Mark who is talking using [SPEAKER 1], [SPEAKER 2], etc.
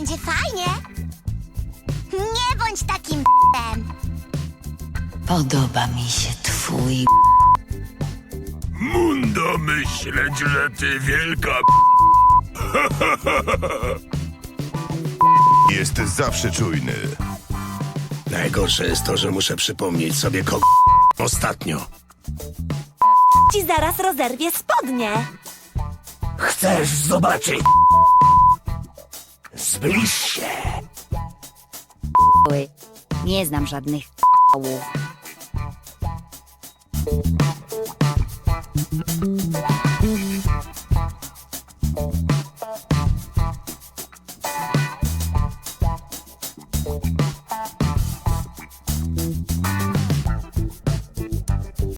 [SPEAKER 1] będzie fajnie. Nie bądź takim p***em.
[SPEAKER 2] Podoba mi się twój...
[SPEAKER 3] Mundo myśleć, że ty wielka
[SPEAKER 4] Jest zawsze czujny.
[SPEAKER 3] Najgorsze jest to, że muszę przypomnieć sobie ostatnio.
[SPEAKER 5] Ci zaraz rozerwie spodnie.
[SPEAKER 3] Chcesz zobaczyć? Zbliż się.
[SPEAKER 2] Nie znam żadnych